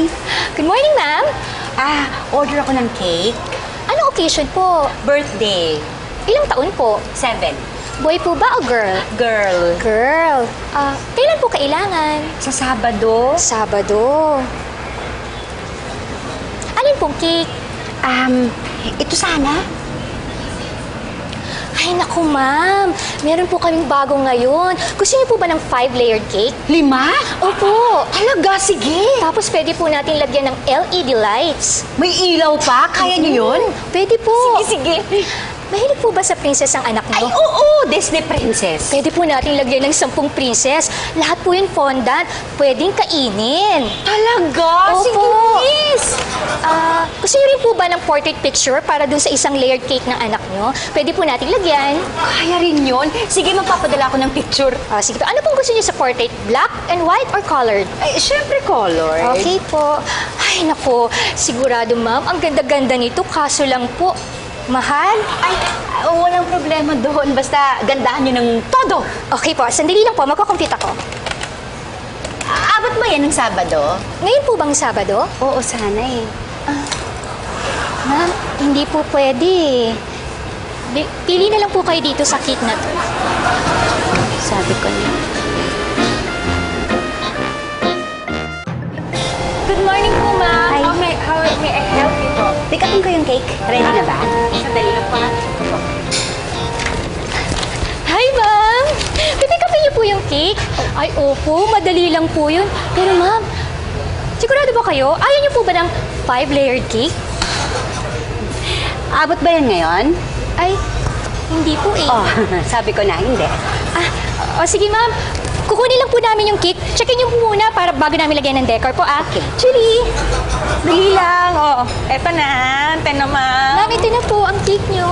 morning. Good morning, ma'am. Order ako ng cake. Anong occasion po? Birthday. Ilang taon po? 7. Boy po ba o girl? Girl. Girl. Kailan po kailangan? Sa Sabado. Sabado. Alin pong cake? Ito sana. Ay, naku, ma'am. Meron po kaming bago ngayon. Gusto niyo po ba ng 5-layered cake? 5? Opo. Talaga, sige. Tapos pwede po natin lagyan ng LED lights. May ilaw pa? Kaya niyo yun? Pwede po. Sige. Mahilig po ba sa princess ang anak Ay, niyo? oo, Disney Princess. Pwede po natin lagyan ng 10 princess. Lahat po yun fondant. Pwedeng kainin. Talaga? Opo. Sige, please. Gusto niyo rin po ba ng portrait picture para dun sa isang layered cake ng anak niyo? Pwede po natin lagyan. Kaya rin yun. Sige, magpapadala ako ng picture. Sige po. Ano pong gusto niyo sa portrait? Black and white or colored? Ay, syempre color. Okay po. Ay, nako. Sigurado, ma'am. Ang ganda-ganda nito. Kaso lang po, mahal. Ay, walang problema doon. Basta gandahan niyo ng todo. Okay po. Sandali lang po. Magko-compute ako. Abot ba yan ng Sabado? Ngayon po bang Sabado? Oo, sana eh. Ma'am, hindi po pwede. Pili na lang po kayo dito sa cake na to. Sabi ko na. Good morning po, ma'am. Hi. How may I help you po? Pick upin ko yung cake. Ready na ba? Sandali lang po. Hi, ma'am. Pipick upin niyo po yung cake? Ay, opo. Madali lang po yun. Pero, ma'am, sigurado ba kayo? Ayaw niyo po ba ng 5-layered cake? Abot ba yan ngayon? Ay, hindi po eh. Oh, sabi ko na, hindi. Sige, ma'am. Kukunin lang po namin yung cake. Checkin niyo po muna para bago namin lagyan ng decor po, Okay. Julie! Dali lang. Oh, eto na. Ate naman. Ma'am, ito na po ang cake niyo.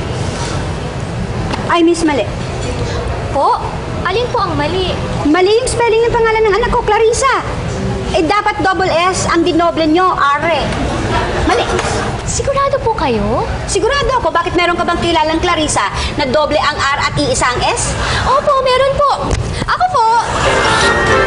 Ay, miss, mali. Po? Alin po ang mali? Mali yung spelling ng pangalan ng anak ko, Clarissa. Dapat double S ang dinoble nyo, Are. Mali. Sigurado po kayo? Sigurado ako, bakit meron ka bang kilalang Clarissa na doble ang R at iisa ang S? Opo, meron po. Ako po.